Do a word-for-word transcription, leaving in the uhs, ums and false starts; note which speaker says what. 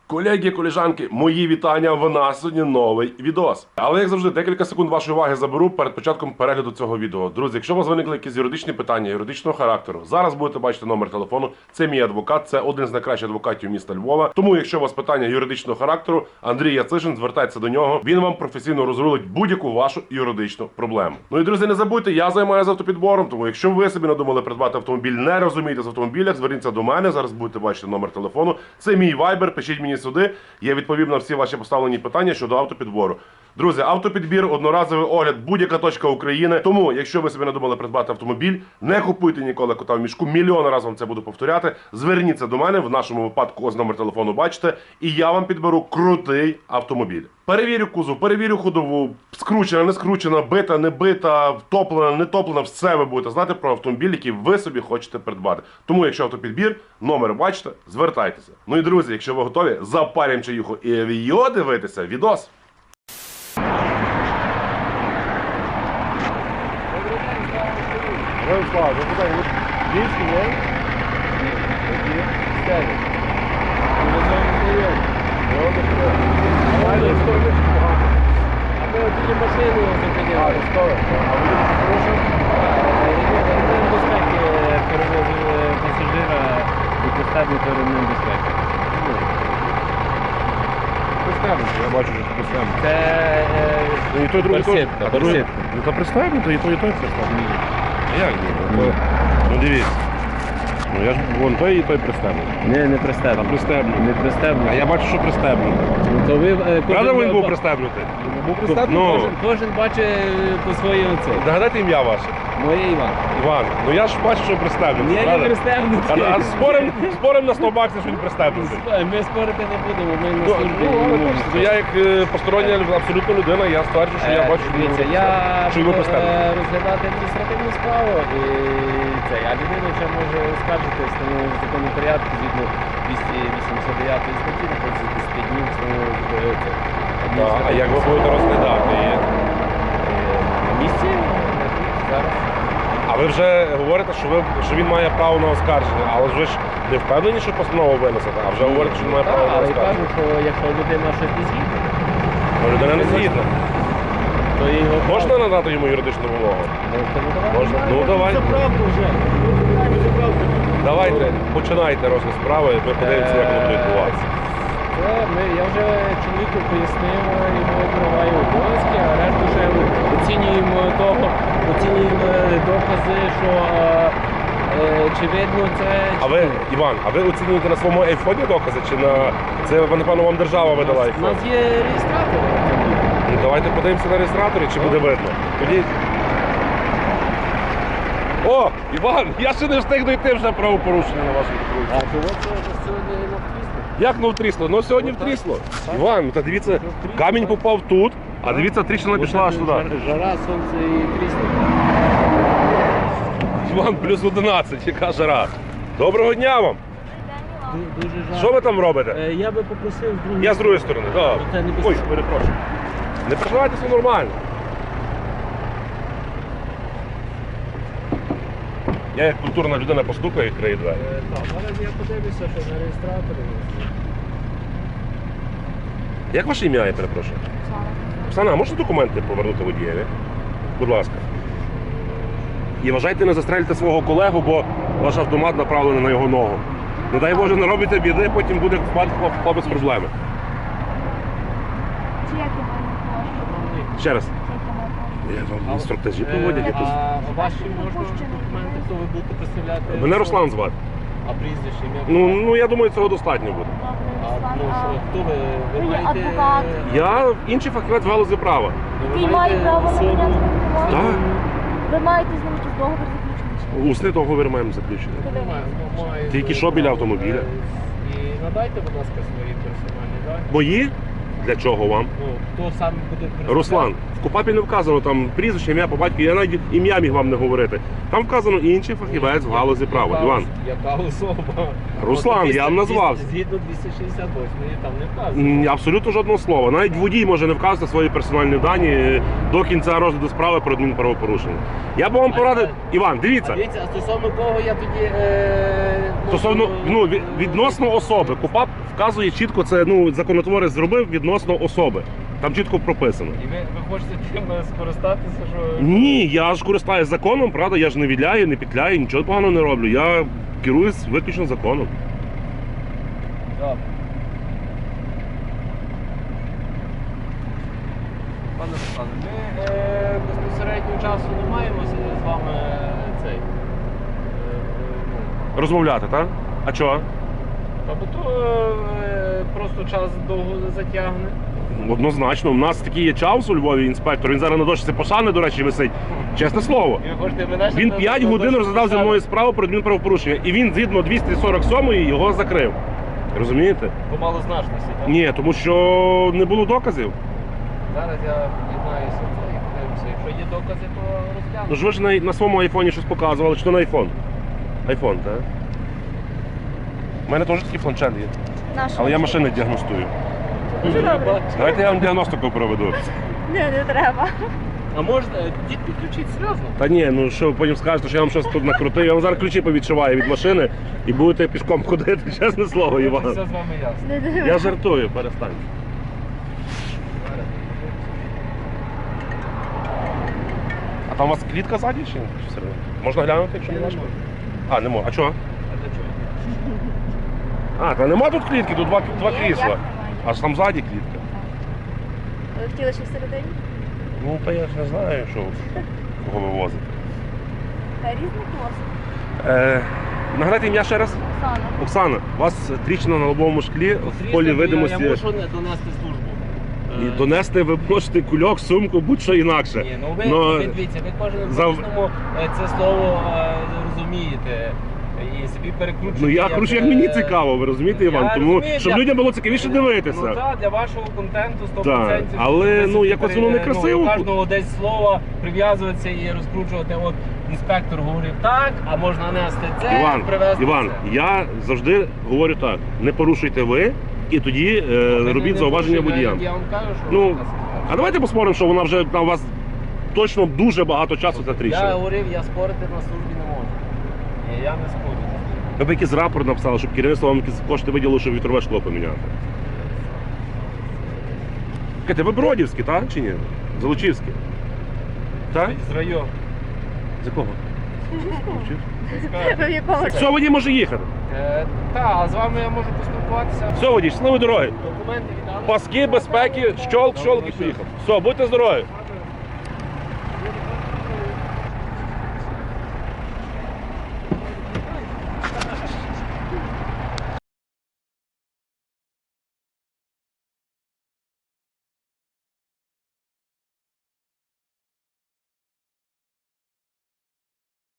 Speaker 1: Колеги, колежанки, мої вітання, в нас сьогодні новий відос. Але, як завжди, декілька секунд вашої уваги заберу перед початком перегляду цього відео. Друзі, якщо у вас виникли якісь юридичні питання, юридичного характеру, зараз будете бачити номер телефону. Це мій адвокат, це один з найкращих адвокатів міста Львова. Тому, якщо у вас питання юридичного характеру, Андрій Яцишин, звертайтеся до нього. Він вам професійно розрулить будь-яку вашу юридичну проблему. Ну і, друзі, не забудьте, я займаюся автопідбором, тому якщо ви собі надумали придбати автомобіль, не розумієте з автомобілях, зверніться до мене, зараз будете бачити номер телефону. Це мій вайбер, пишіть мені сюди. Я відповім на всі ваші поставлені питання щодо автопідбору. Друзі, автопідбір, одноразовий огляд, будь-яка точка України. Тому, якщо ви собі надумали придбати автомобіль, не купуйте ніколи кота в мішку. Мільйон разів вам це буду повторяти. Зверніться до мене, в нашому випадку ось номер телефону бачите, і я вам підберу крутий автомобіль. Перевірю кузов, перевірю ходову, скручена, не скручена, бита, не бита, втоплена, не топлена, все ви будете знати про автомобіль, який ви собі хочете придбати. Тому, якщо автопідбір, номер бачите, звертайтеся. Ну і, друзі, якщо ви готові, запарім чаюху і авіо дивитися відос. Героям слава, запитаю, ви Львівський, не? Ні. Які? Стягнуть. Ви не знайомі? Не одне. Давайте історію погано.
Speaker 2: А ми тільки машину зупиняли.
Speaker 1: А, історію. А ви дуже хороші?
Speaker 2: Ремень безпеки перевозив пасажира і пристебнуто ремень безпеки.
Speaker 1: Пристебнуто, я бачу, що пристебнуто.
Speaker 2: Це
Speaker 1: Ну і той, другий теж.
Speaker 2: барсетка,
Speaker 1: А другий?
Speaker 2: барсетка.
Speaker 1: Ну то пристебнуто, і той, і той пристебнуто. А як ні? Ну дивіться. Ну я ж, вон той і той пристебнуто.
Speaker 2: Ні, не
Speaker 1: А
Speaker 2: пристебнуто.
Speaker 1: пристебнуто.
Speaker 2: Не пристебнуто.
Speaker 1: А я бачу, що пристебнуто.
Speaker 2: Ну, то ви, е,
Speaker 1: Правда
Speaker 2: кожен-
Speaker 1: він був пристебнутий? Був пристебнутий? Ну,
Speaker 2: Кожен, кожен бачить по своєму це.
Speaker 1: нагадайте ім'я ваше.
Speaker 2: Моє Іван.
Speaker 1: Іван. Ну я ж бачу, що пристебнутий.
Speaker 2: Ні, не
Speaker 1: правда?
Speaker 2: пристебнутий.
Speaker 1: А, а спорим, спорим на сто баксів, що він пристебнутий.
Speaker 2: Ми спорити не будемо, ми на
Speaker 1: Ну,
Speaker 2: службі.
Speaker 1: ну, але
Speaker 2: не
Speaker 1: бачите,
Speaker 2: можемо.
Speaker 1: я як е, постороння абсолютно людина, я стверджую, що я
Speaker 2: Е,
Speaker 1: бачу, що він
Speaker 2: дивіться,
Speaker 1: був
Speaker 2: я
Speaker 1: пристебнутий. Що він був
Speaker 2: буду
Speaker 1: пристебнутий.
Speaker 2: е, розглядати адміністративну справу і це, а людина ще може оскаржити встановлений законний порядок згідно двісті вісімдесят дев'ятої статті, на протязі десяти днів встановлювати це.
Speaker 1: Так, а як ви будете розглядати її?
Speaker 2: На місці зараз.
Speaker 1: А ви вже говорите, що, ви, що він має право на оскарження, але ж ви ж не впевнені, що постанову винесете, а вже говорите, що він має право
Speaker 2: Так,
Speaker 1: на
Speaker 2: але я
Speaker 1: оскарження.
Speaker 2: кажу, що якщо людина щось не згідна,
Speaker 1: Ну, людина не згідна.
Speaker 2: то його
Speaker 1: Можна надати йому юридичну вимогу?
Speaker 2: Можете надавати.
Speaker 1: Можна. Ну давайте.
Speaker 2: правду вже.
Speaker 1: Давайте, починайте розгляд справи, ми подивимося, як воно буде відбуватися.
Speaker 2: Це ми, я вже чоловіку пояснив його права і обов'язки, а решту ще оцінюємо того, оцінюємо докази, що е, е, чи видно це.
Speaker 1: А ви, Іван, а ви оцінюєте на своєму айфоні докази, чи на... Це, напевно, вам держава видала
Speaker 2: У
Speaker 1: айфон?
Speaker 2: нас є реєстратор.
Speaker 1: Ну давайте подивимося на реєстраторі, чи буде видно. Тоді... О, Іван, я ще не встиг дойти вже правопорушення на вашому
Speaker 2: А
Speaker 1: дорозі.
Speaker 2: чого це сьогодні не втрісно?
Speaker 1: Як ну втрісло? Ну сьогодні втрісло. Іван, та дивіться, камінь попав тут, а дивіться, тріщина пішла аж туди.
Speaker 2: Жара, сонце і трісно.
Speaker 1: Іван, плюс одинадцять, яка жара. Доброго дня вам!
Speaker 2: Дуже жарко.
Speaker 1: Що ви там робите?
Speaker 2: Е, Я би попросив з другої
Speaker 1: Я з другої сторони. Так.
Speaker 2: Це не
Speaker 1: Ой,
Speaker 2: безпечно.
Speaker 1: перепрошую. Не переживайте, все нормально. Я як культурна людина постукаю і відкрию двері.
Speaker 2: Е, Так, зараз я подивлюся, що на реєстраторі.
Speaker 1: Як ваше ім'я, я перепрошую? Оксана, а можете документи повернути водієві? Будь ласка. І вважайте, не застрелите свого колегу, бо ваш автомат направлений на його ногу. Не дай Боже, не робите біди, потім буде впад хлопець проблеми.
Speaker 3: Чи як його не можна?
Speaker 1: Ще раз.
Speaker 3: Чи як його
Speaker 1: Я вам інструктажі проводять якось.
Speaker 2: А ваші можна документи, хто ви будете представляти?
Speaker 1: Мене Руслан звати.
Speaker 2: А прізвище, ім'я?
Speaker 1: Ну, ну я думаю, цього достатньо буде.
Speaker 2: А,
Speaker 3: Добре,
Speaker 2: ну, що,
Speaker 3: Руслан.
Speaker 2: хто ви? Ви
Speaker 3: Ви є
Speaker 2: маєте...
Speaker 3: адвокат.
Speaker 1: Я інший фахівець в галузі права.
Speaker 2: Ви
Speaker 3: Який має право на
Speaker 2: особу-
Speaker 3: прийняти допомогу?
Speaker 1: Так.
Speaker 3: Ви маєте з ним якийсь договір заключений? чи ні?
Speaker 1: Усний договір маємо заключений.
Speaker 3: Коли ви?
Speaker 2: Має- має-
Speaker 1: Тільки що біля автомобіля?
Speaker 2: І надайте, будь ласка, свої персональні дані.
Speaker 1: Мої? Для чого вам?
Speaker 2: Ну, хто сам буде представляти?
Speaker 1: Руслан, в КУПАПі не вказано там прізвище, ім'я по батькові, я навіть ім'я міг вам не говорити. Там вказано інший фахівець в галузі права.
Speaker 2: Яка
Speaker 1: Іван,
Speaker 2: ос- Яка особа?
Speaker 1: Руслан, я вам назвав.
Speaker 2: Згідно двісті шістдесят восьмої там не вказано.
Speaker 1: М, Абсолютно жодного слова. Навіть водій може не вказати свої персональні дані е, до кінця розгляду справи про адмінправопорушення. Я б вам порадив. Іван, дивіться.
Speaker 2: Дивіться, а стосовно кого я тоді... Е,
Speaker 1: Стосовно
Speaker 2: можу,
Speaker 1: ну, від- відносно особи. КУПАП вказує чітко, це ну, законотворець зробив відносно особи. Там чітко прописано.
Speaker 2: І ви, ви хочете тим скористатися, що...
Speaker 1: Ні, я ж користаюсь законом, правда, я ж не відляю, не петляю, нічого поганого не роблю. Я керуюсь виключно законом.
Speaker 2: Добре. Пане Руслане, ми е, безпосередньо часу не маємо з- з вами е, цей. Е, ну,
Speaker 1: Розмовляти, так? А чого?
Speaker 2: Тобто е, просто час довго затягне.
Speaker 1: Однозначно, у нас такий є Чаус у Львові, інспектор. Він зараз на дошці пошани, до речі, висить. Чесне слово.
Speaker 2: І ви хочете мене ще
Speaker 1: Він
Speaker 2: на-
Speaker 1: п'ять
Speaker 2: на-
Speaker 1: годин
Speaker 2: на-
Speaker 1: розглядав зі мною справу про адмінправопорушення. І він згідно двісті сорок сьомої його закрив. Розумієте?
Speaker 2: По малозначності, так?
Speaker 1: Ні, тому що не було доказів.
Speaker 2: Зараз я під'єднаюся і подивимося. Якщо є докази, то розглянемо.
Speaker 1: Ну ж ви ж на, на своєму айфоні щось показували, чи то на айфон? Айфон, так? У мене теж такий планшет є.
Speaker 3: Наш.
Speaker 1: Але я машини діагностую.
Speaker 3: Дуже добре.
Speaker 1: Давайте я вам діагностику проведу.
Speaker 3: Ні, не треба.
Speaker 2: А можна дід підключити серйозно?
Speaker 1: Та ні, ну що ви потім скажете, що я вам щось тут накрутив. Я вам зараз ключі повідшиваю від машини і будете пішком ходити, чесне слово,
Speaker 2: Все
Speaker 1: Іван.
Speaker 2: з вами ясно.
Speaker 3: Не дивись.
Speaker 1: Я жартую, перестань. А там у вас клітка ззаді чи ні? Чи всередині? Можна глянути, якщо не
Speaker 2: Я не
Speaker 1: важко?
Speaker 2: можу.
Speaker 1: А, не можна. А чого?
Speaker 2: А для чого?
Speaker 1: А, та нема тут клітки, тут два, два
Speaker 3: Ні,
Speaker 1: крісла.
Speaker 3: як немає?
Speaker 1: Аж там ззаді клітка.
Speaker 3: Ви хотіли ще всередині?
Speaker 1: Ну, та я ж не знаю, що кого вивозити.
Speaker 3: Та різний клас.
Speaker 1: Е, нагадайте ім'я ще раз.
Speaker 3: Оксана.
Speaker 1: Оксана, у вас тріщина на лобовому шклі в
Speaker 2: Потрібно,
Speaker 1: полі
Speaker 2: я-
Speaker 1: видимості.
Speaker 2: Я можу не донести службу.
Speaker 1: І
Speaker 2: Е,
Speaker 1: донести ви можете кульок, сумку, будь-що інакше.
Speaker 2: Ні, ну ви,
Speaker 1: Но-
Speaker 2: ви дивіться, ви кожен
Speaker 1: за-
Speaker 2: кожному е, це слово е, розумієте і собі перекручуєте.
Speaker 1: Ну я кручу, як мені
Speaker 2: е,
Speaker 1: цікаво, ви розумієте,
Speaker 2: я
Speaker 1: Іван? Тому
Speaker 2: розумію,
Speaker 1: щоб
Speaker 2: для-
Speaker 1: людям було цікавіше дивитися.
Speaker 2: Ну так, для вашого контенту сто
Speaker 1: Так,
Speaker 2: відсотків.
Speaker 1: але,
Speaker 2: Ви
Speaker 1: ну,
Speaker 2: собі
Speaker 1: якось
Speaker 2: пере-
Speaker 1: воно некрасиво.
Speaker 2: Ну, у кожного десь слова прив'язуватися і розкручувати. От інспектор говорив так, а можна нести це,
Speaker 1: Іван,
Speaker 2: привезти
Speaker 1: Іван,
Speaker 2: це.
Speaker 1: я завжди говорю так: не порушуйте ви і тоді е,
Speaker 2: Ви
Speaker 1: робіть
Speaker 2: не
Speaker 1: зауваження
Speaker 2: порушуєте,
Speaker 1: водіям.
Speaker 2: Я вам кажу, що
Speaker 1: Ну,
Speaker 2: у нас ситуація.
Speaker 1: А давайте поспоримо, що вона вже на вас точно дуже багато часу ця
Speaker 2: Я
Speaker 1: тріщина.
Speaker 2: говорив, я спорити на службі не можу. І я не спорю.
Speaker 1: Ви б якийсь рапорт написали, щоб керівництво вам якісь кошти виділило, щоб вітрове шкло поміняти. Чекайте, ви Бродівські, так? Чи ні? Залучівські? Так?
Speaker 2: З району.
Speaker 1: З якого?
Speaker 3: Ви в якому?
Speaker 1: Все, водій може їхати.
Speaker 2: Е, Та, а з вами я можу поспілкуватися.
Speaker 1: Все, водій, щасливої дороги.
Speaker 2: Документи віддали.
Speaker 1: Паски, безпеки, щолк, щолк і поїхав. Все, будьте здорові.